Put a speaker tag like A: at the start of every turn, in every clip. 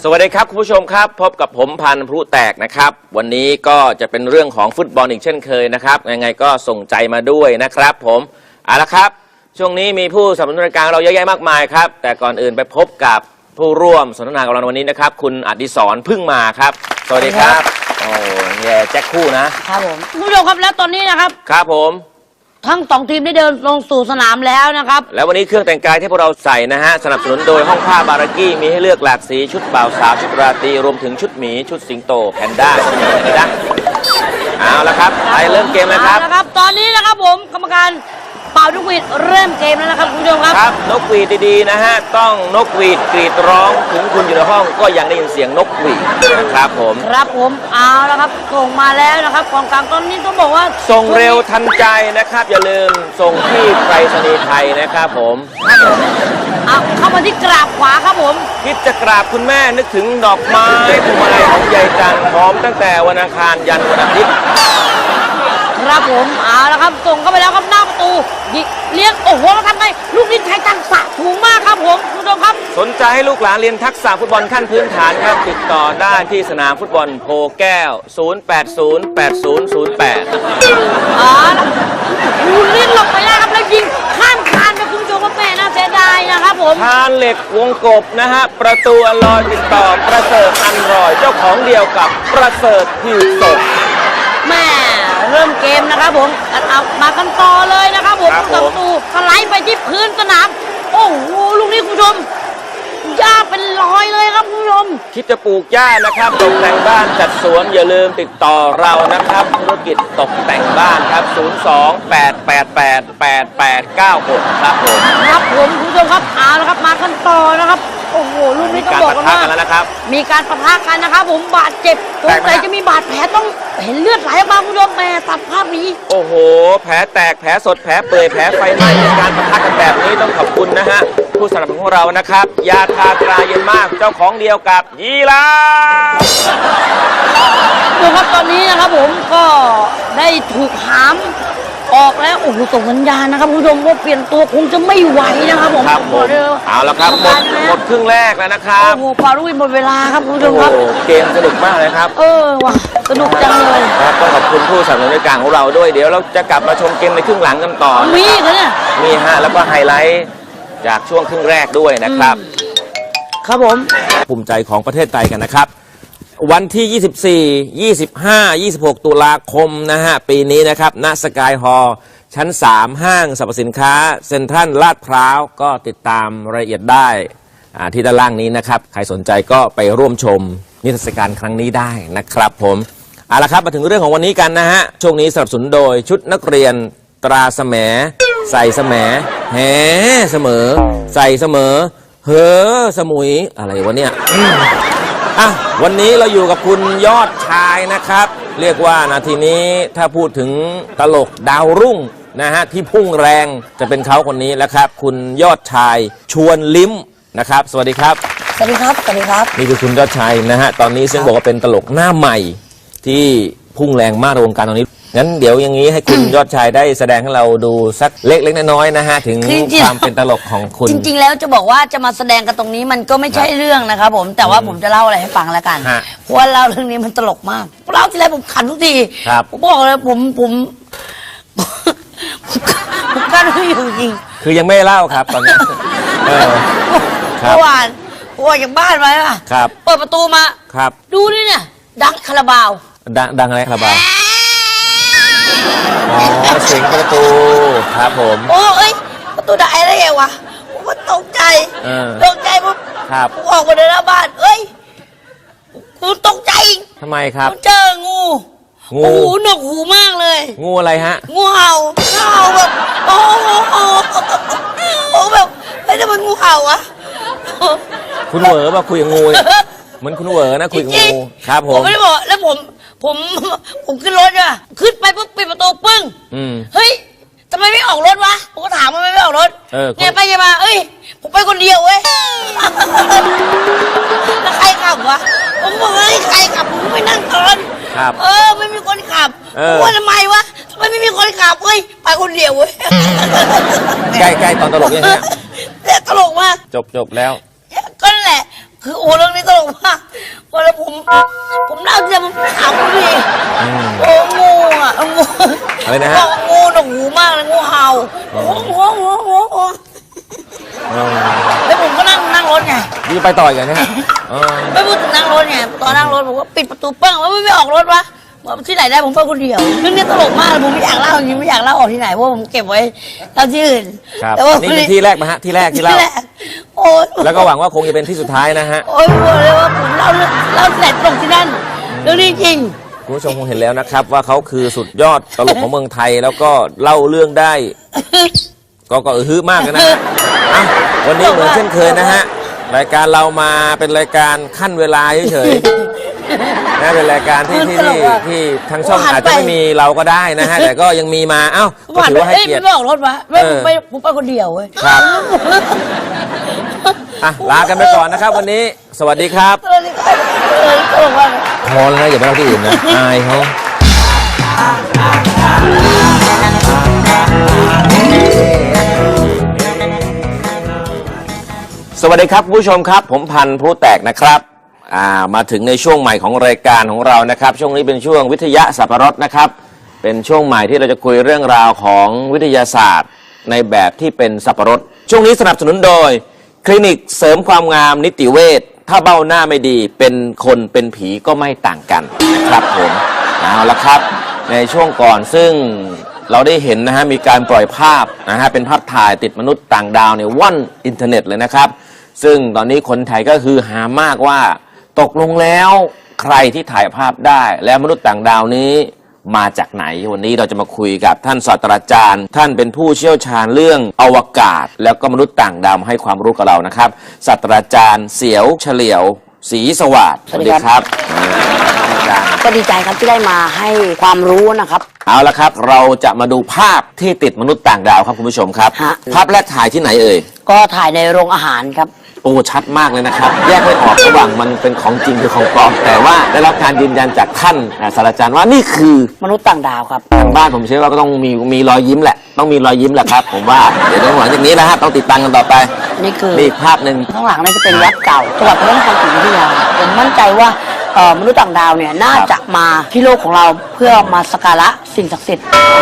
A: สวัสดีครับคุณผู้ชมครับพบกับผมพันธุ์พลุแตกนะครับวันนี้ก็จะเป็นเรื่องของฟุตบอลอีกเช่นเคยนะครับยังไงก็ส่งใจมาด้วยนะครับผมเอาละครับช่วงนี้มีผู้สนับสนุนรายการเราเยอะแยะมากมายครับแต่ก่อนอื่นไปพบกับผู้ร่วมสนทนากับเราในวันนี้นะครับคุณอดิศรพึ่งมาครับสวัสดีครับโอ้แย่แจ็คคู่นะครับ
B: ผมคุณผู้ชมครับแล้วตอนนี้นะครับ
A: ครับผม
B: ทั้งสองทีมได้เดินลงสู่สนามแล้วนะครับ
A: แล้ววันนี้เครื่องแต่งกายที่พวกเราใส่นะฮะสนับสนุนโดยห้องผ้าบารากี้มีให้เลือกหลากสีชุดบ่าวสาวชุดราตรีรวมถึงชุดหมีชุดสิงโตแพนด้านะเอาละครับไปเริ่มเกมเลยครับ
B: ตอนนี้นะครับผมกรรมการเป่านกหวีดเริ่มเกมแล้วนะครับคุณผู้ชมครับ
A: นกหวีดดีๆนะฮะต้องนกหวีดกรีดร้องถึงคุณอยู่ในห้องก็ยังได้ยินเสียงนกหวีดนะครับผม
B: ครับผมเอาละครับส่งมาแล้วนะครับกองกลางตอนนี้ต้องบอกว่า
A: ส่งเร็วทันใจนะครับอย่าลืมส่งที่ไปรษณีย์ไทยนะครับผม
B: เอาเข้ามาที่กราบขวาครับผม
A: คิดจะกราบคุณแม่นึกถึงดอกไม้พวงมาลัยของยายจันทร์พร้อมตั้งแต่วันอังคารยันวันอาทิตย์
B: ครับผมเอาละครับส่งเข้าไปแล้วครับหน้าประตูยิงเลี้ยงโอ้โหแล้วทำไงลูกนี้ใช้ทักษะถูกมากครับผมคุณผู้ชมครับ
A: สนใจให้ลูกหลานเรียนทักษะฟุตบอลขั้นพื้นฐานครับติดต่อได้ที่สนามฟุตบอลโพแก้ว0808008008
B: ลูกนี้หลบไปแล้วครับแล้วยิงข้ามคานไปคุณผู้ชมว่าแม่น่าเสียดายนะครับผม
A: คานเหล็กวงกบนะฮะประตูอลอยติดต่อประเสริฐอันรอยเจ้าของเดียวกับประเสริฐผิวสด
B: แม่เริ่มเกมนะครับผมเอามากันต่อเลยนะครับผมประตูสไลด์ไปที่พื้นสนามโอ้โหลูกนี้คุณผู้ชมหญ้าเป็นรอยเลยครับคุณผู้ชม
A: คิดจะปลูกหญ้านะครับตกแต่งบ้านจัดสวนอย่าลืมติดต่อเรานะครับธุรกิจตกแต่งบ้านครับ028888896ครับผม
B: ครับผมคุณผู้ชมครับเอาละครับมากันต่อนะครับโอ้โหลูกนี้ต้องบอกว่ามีการปะทะกันนะครับผมบาดเจ็บสงสัยจะมีบาดแผลต้องเห็นเลือดไหลออกมาคุณผู้ชมแม่ตัดภาพนี้
A: โอ้โหแผลแตกแผลสดแผลเปื่อยแผลไฟไหม้การปะทะกันแบบนี้ต้องขอบคุณนะฮะผู้สนับสนุนของเรานะครับยาทาตราเย็นมากเจ้าของเดียวกับยีราฟ
B: ดูครับตอนนี้นะครับผมก็ได้ถูกหามออกแล้วโอ้โหส่งสัญญาณนะครับคุณผู้ชมว่าเปลี่ยนตัวคงจะไม่ไหวนะครับผม
A: ครับผมเอาละครับหมดครึ่งแรกแล้วนะครับ
B: โอ้โหพารุวินหมดเวลาครับคุณผู้ชมครับ
A: เกมสนุกมากเลยครับ
B: ว่ะสนุกจังเลย
A: ครับต้องขอบคุณผู้สนับสนุนรายการของเราด้วยเดี๋ยวเราจะกลับมาชมเกมในครึ่งหลังกันต่อ
B: มีเนี่ย
A: มีฮะแล้วก็ไฮไลท์จากช่วงครึ่งแรกด้วยนะครับ
B: ครับผม
A: ภูมิใจของประเทศไทยกันนะครับวันที่ 24 25 26 ตุลาคมนะฮะปีนี้นะครับณสกายฮอลล์ชั้น 3 ห้างสรรพสินค้าเซ็นทรัลลาดพร้าวก็ติดตามรายละเอียดได้ที่ด้านล่างนี้นะครับใครสนใจก็ไปร่วมชมนิทรรศการครั้งนี้ได้นะครับผมเอาละครับมาถึงเรื่องของวันนี้กันนะฮะช่วงนี้สนับสนุนโดยชุดนักเรียนตราแสมใส่แสมแห่เสมอใส่เสมอเฮ้อสมุยอะไรวะเนี่ยวันนี้เราอยู่กับคุณยอดชายนะครับเรียกว่านาทีนี้ถ้าพูดถึงตลกดาวรุ่งนะฮะที่พุ่งแรงจะเป็นเขาคนนี้แล้วครับคุณยอดชายชวนลิ้มนะครับสวัสดีครับ
B: สวัสดีครับสวัสดีครับ
A: นี่คือคุณยอดชายนะฮะตอนนี้ซึ่งบอกว่าเป็นตลกหน้าใหม่ที่พุ่งแรงมากในวงการตอนนี้งั้นเดี๋ยวอย่างนี้ให้คุณยอดชายได้แสดงให้เราดูสักเล็กๆน้อยๆนะฮะถึงความเป็นตลกของคุณ
B: จริงๆแล้วจะบอกว่าจะมาแสดงกันตรงนี้มันก็ไม่ใช่เรื่องนะครับผมแต่ว่าผมจะเล่าอะไรให้ฟังแล้วกันเพราะว่าเล่าเรื่องนี้มันตลกมากเล่าทีไรผมขันทุกทีผมบอกเลยผมกั้นไม่อยู่จริง
A: คือยังไม่เล่าครับตอนนี้
B: เมื่อวานจากบ้านมา
A: ครับ
B: เปิดประตูมา
A: ครับ
B: ดูนี่เนี่ยดังคาราบาว
A: ดังอะไรคาราบาวเสียงประตูครับผม
B: ประตูได้อะไรวะผมก็ตกใจปุ๊บ
A: ครับ
B: ออกมาเดินหน้าบ้านกูตกใจ
A: ทำไมครับ
B: เจองูหนวกหูมากเลย
A: งูอะไรฮะ
B: งูเห่าแบบโอ้แบบไม่ได้เป็นงูเห่าวะ
A: คุณเหวอมาคุยกับงูเหมือนคุณเหวอนะคุยกับงูครับผม
B: ไม่ได้บอกแล้วผมขึ้นรถอะขึ้นไปปุ๊บปิดประตูปึ้งเฮ้ยทำไมไม่ออกรถวะผมก็ถามมันไม่ออกรถไงไปไงมาผมไปคนเดียวเว้ยแล้วใครขับวะผมบอกเฮ้ยใครขับผมไม่นั่งตอนไม่มีคนขับว่าทำไมวะทำไมไม่มีคนขับเฮ้ยไปคนเดียวเว้ย
A: ใกล้ตอนตลกยังไง
B: แต่ตลกมาก
A: จบแล้ว
B: ก็แหละคือโอ้เรื่องนี้ตลกมากพอแล้วผมเล่าจะมันขำดิโอ้งูอ่ะงู
A: อะไรนะฮะ
B: บอกงูหนวกหูมากเลยงูเห่าโอ้แล้วผมก็นั่งรถไง
A: นี่ไปต่ออีกนะฮะอ๋อ
B: ไม่พูดถึงนั่งรถไงตอนนั่งรถผมก็ปิดประตูปั้งว่าไม่ออกรถวะที่ไหนได้ผมไปคนเดียวเรื่องนี้ตลกมากผมไม่อยากเล่าจริงไม่อยากเล่าออกที่ไหนเพราะผมเก็บไว้เล่าที่อื่น
A: ครับ
B: แต่ว่า
A: นี่เป็นที่แรกมาฮะที่แรกที่เล่า
B: ที่แรกโอ้ย
A: แล้วก็หวังว่าคงจะเป็นที่สุดท้ายนะฮะ
B: โอ้ยบอกเลยว่าผมเล่าเสร็จตรงที่นั่นเรื่องนี้จริง
A: คุณผู้ชมคงเห็นแล้วนะครับ ว่าเขาคือสุดยอดตลกของเมืองไทยแล้วก็เล่าเรื่องได้ ก็ฮือมากนะฮะอ่ะวันนี้เหมือนเช่นเคยนะฮะรายการเรามาเป็นรายการขั้นเวลาเฉยๆนะเป็นรายการที่ทางช่องอาจจะไม่มีเราก็ได้นะฮะแต่ก็ยังมีมาเอ้าก็ถือว่าให้เกียรติ
B: ไม่ออกรถวะผมไปคนเดียวเว้ย
A: ครับ อ่ะลากันไปก่อนนะครับ วันนี้สวัสดีครับ
B: ตลกมาก
A: พอแล้วนะอย่าไปเล่าที่อื่นนะอายเขาสวัสดีครับคุณผู้ชมครับ ผมพันธุ์พลุแตกนะครับมาถึงในช่วงใหม่ของรายการของเรานะครับ ช่วงนี้เป็นช่วงวิทยาสับปะรดนะครับ เป็นช่วงใหม่ที่เราจะคุยเรื่องราวของวิทยาศาสตร์ในแบบที่เป็นสับปะรดช่วงนี้สนับสนุนโดยคลินิกเสริมความงามนิติเวชถ้าเบ้าหน้าไม่ดีเป็นคนเป็นผีก็ไม่ต่างกันนะครับผมเอาละครับในช่วงก่อนซึ่งเราได้เห็นนะฮะมีการปล่อยภาพนะฮะเป็นภาพถ่ายติดมนุษย์ต่างดาวเนี่ยว่อนอินเทอร์เน็ตเลยนะครับซึ่งตอนนี้คนไทยก็คือหามากว่าตกลงแล้วใครที่ถ่ายภาพได้และมนุษย์ต่างดาวนี้มาจากไหนวันนี้เราจะมาคุยกับท่านศาสตราจารย์ท่านเป็นผู้เชี่ยวชาญเรื่องอวกาศแล้วก็มนุษย์ต่างดาวให้ความรู้กับเรานะครับศาสตราจารย์เสียวเฉลียวศรีสวัสดิ์
B: สวัสดีครับ
A: อาจารย์
B: ก็ดีใจครับที่ได้มาให้ความรู้นะครับ
A: เอาละครับเราจะมาดูภาพที่ติดมนุษย์ต่างดาวครับคุณผู้ชมครับ
B: ฮะ
A: ภาพแรกถ่ายที่ไหนเอ่ย
B: ก็ถ่ายในโรงอาหารครับ
A: โอ้ชัดมากเลยนะครับ แยกไม่ออกระหว่างมันเป็นของจริงหรือของปลอมแต่ว่าได้รับการยืนยันจากท่านศาสตราจารย์ว่านี่คือ
B: มนุษย์ต่างดาวครับ
A: ทางบ้านผมเชื่อว่าก็ต้องมีรอยยิ้มแหละต้องมีรอยยิ้มแหละครับ ผมว่าเดี๋ยวหลังจากนี้นะฮะต้องติดตามกันต่อไป
B: นี่คือ
A: นี่อีกภาพหนึ่ง
B: ข้างหลังนี่จะเป็นยักษ์เก่าจังหวัดพระนครศรีอยุธยาผมมั่นใจว่ามนุษย์ต่างดาวเนี่ยน่าจะมาที่โลกของเราเพื่อมาสักการะสิ่งศักดิ์สิทธิ์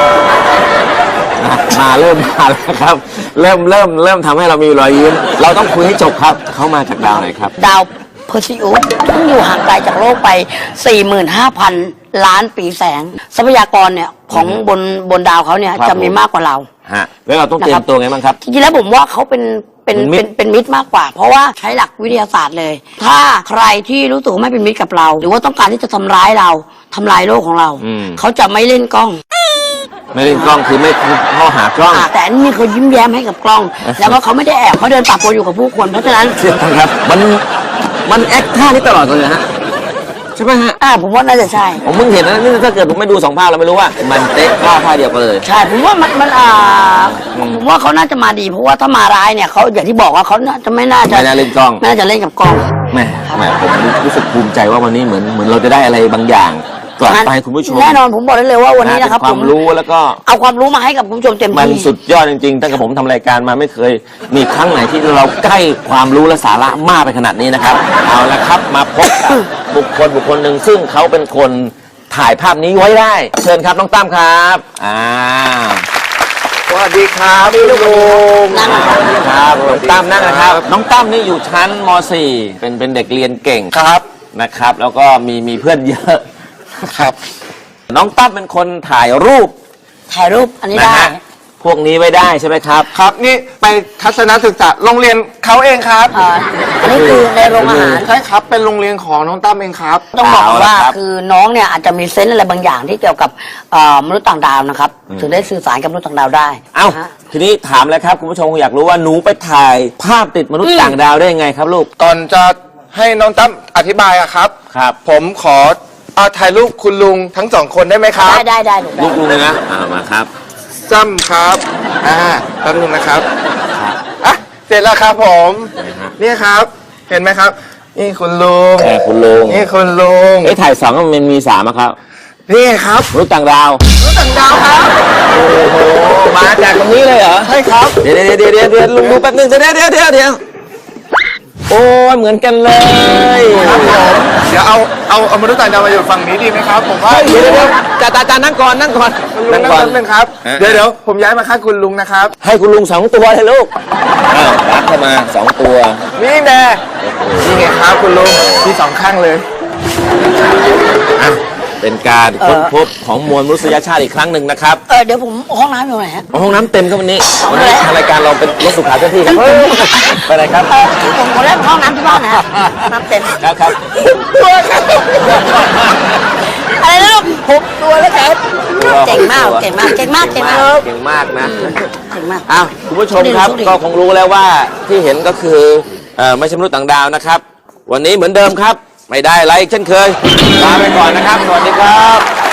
A: มาเริ่มมาแล้วครับเริ่มทำให้เรามีรอยยิ้มเราต้องคุยให้จบครับเขามาจากดาวไหนครับ
B: ดาวเพอร์ซิอุสซึ่งอยู่ห่างไกลจากโลกไป 45,000 ล้านปีแสง ทรัพยากรเนี่ยของบนดาวเขาเนี่ย
A: ครับ
B: จะมีมากกว่าเรา
A: ฮะแล้วเราต้องเตรียมตัวไงบ้างครับ
B: จริงๆแล้วผมว่าเขาเป็นมิตรมากกว่า เพราะว่าใช้หลักวิทยาศาสตร์เลย ถ้าใครที่รู้สึกว่าไม่เป็นมิตรกับเรา หรือว่าต้องการที่จะทำร้ายเราทำลายโลกของเรา
A: อืม
B: เขาจะไม่เล่นกล้อง
A: ไม่เล่นกล้องคือไม่เข้าหากล้อง
B: แต่อันนี้เขายิ้มแย้มให้กับกล้อง แล้วก็เขาไม่ได้แอบเขาเดินปะปนอยู่กับผู้คนเพราะฉะนั้น
A: เชื่อครับมันแอคท่านี้ตลอดเลยฮะใช่ไหมฮะ
B: ผมว่าน่าจะใช่
A: ผมเพิ่งเห็นนะนี่ถ้าเกิดผมไม่ดูสองภาพเราไม่รู้ว่ามันเตะท่าเดียวกันเลย
B: ใช่ผมว่าผมว่าเขาน่าจะมาดี เพราะว่าถ้ามาร้ายเนี่ยเขาอย่างที่บอกว่าเขาไม่น่าจะ
A: ไม่น่าเล่นกล้อง
B: ไม่น่าจะเล่นกับกล้อง
A: แหม่ผมรู้สึกภูมิใจว่าวันนี้เหมือนเราจะได้อะไรบางอย่างกลับไปให้คุณผู้ชม
B: แน่นอนผมบอกได้เลยว่าวันนี้นะครับ
A: เป็ความรู้แล้วก็
B: เอาความรู้มาให้กับคุณผู้ชมเต็ม
A: มัน
B: ที่
A: สุดยอดจริงๆตั้งแต่ผมทำรายการมาไม่เคยมีครั้งไหนที่เราใกล้ความรู้และสาระมากไปขนาดนี้นะครับ เอาละครับมาพบกับบุคคลหนึ่งซึ่งเขาเป็นคนถ่ายภาพนี้ไว้ได้ เชิญครับน้องตั้มครับ
C: สวัสดีครับพี่ลุง
B: นั่ง
A: สวัสดีครับน้องตั้มนั่งนะครับ น้องตั้มนี่อยู่ชั้นม .4 เป็นเด็กเรียนเก่ง
C: ครับ
A: นะครับ แล้วก็มีเพื่อนเยอะ
C: ครับ
A: น้องตั้มเป็นคนถ่ายรูป
B: ถ่ายรูปอันนี้
A: นะ
B: ได้
A: ฮะพวกนี้ไว้ได้ใช่ไหมครับ
C: ครับนี่ไปทัศนศึกษาโรงเรียนเขาเองครับ
B: อันนี้คือในโรงอาหาร
C: ใช่ครับเป็นโรงเรียนของน้องตั้มเองครับ
B: ต้องบอก
A: เอาละ
B: ว่า
A: ครับ
B: คือน้องเนี่ยอาจจะมีเซนส์อะไรบางอย่างที่เกี่ยวกับมนุษย์ต่างดาวนะครับถึงได้สื่อสารกับมนุษย์ต่างดาวได้
A: เอ้า
B: นะฮะ
A: ทีนี้ถามเลยครับคุณผู้ชมอยากรู้ว่าหนูไปถ่ายภาพติดมนุษย์ต่างดาวได้ยังไงครับลูก
C: ก่อนจะให้น้องตั้มอธิบายอะครับ
A: ครับ
C: ผมขอถ่ายรูปคุณลุงทั้งสองคนได้ไหมครับ
B: ได้หนู
A: ลูกลุงเลยนะมาครับ
C: จ้ำครับแป๊บนึงนะครับอ่ะเสร็จแล้วครับผมนี่ครับ เห็นไหมครับ นี่คุณลุง
A: คุณลุง
C: นี่คุณลุง
A: เอ้ยถ่ายสองมันมีสามอะครับ
C: นี่ครับ
A: มนุษย์ต่างดาว
C: มนุษย์ต่างดาวครับ
A: โอ้โหมาจากตรงนี้เลยเหรอ
C: ใช่ครับ
A: เดี๋ยวลุงดูแป๊บนึงเดี๋ยวโอ้ยเหมือนกันเลย
C: ครับผมเดี๋ยวเอามนุษย์ต่างดาวมาอยู่ฝั่งนี้ดีไหมครับผมว่า
A: เดี๋ยวจ่านั่งก่อนนั่งก่อน
C: ลุงนั่งก่อนนึงครับ
A: ฮะ
C: เดี๋ยวผมย้ายมาข้างคุณลุงนะครับ
A: ให้คุณลุง2 ตัวเลยลูกอ้าวรับเข้ามา2 ตัว
C: นี่แน่นี่ไงครับคุณลุงที่สองข้างเลย
A: อ่ะเป็นการค้นพบของมวลมนุษยชาติอีกครั้งหนึ่งนะครับ
B: เดี๋ยวผมห้องน้ำอยู่ไหนฮะ
A: ห้องน้ำเต็มครับวันนี้ทางรายการเราเป็นรถสุขาเจ้าที่ครับไปไหนครับ
B: ผมเล่นห้องน้ำที่บ้านนะฮะน้ำเต็ม
A: ครับ
B: อะไรนะลูก6 ตัวแล้วครับเก่งมากเก่งมากเก่งมากเก่งมาก
A: เก่งมากนะ
B: เก่งมาก
A: อ้าวคุณผู้ชมครับ
B: สู้ดิ
A: ก็คงรู้แล้วว่าที่เห็นก็คือไม่ใช่มนุษย์ต่างดาวนะครับ วันนี้เหมือนเดิมครับ ไม่ได้อะไรอีกเช่นเคยลาไปก่อนนะครับ สวัสดีครับ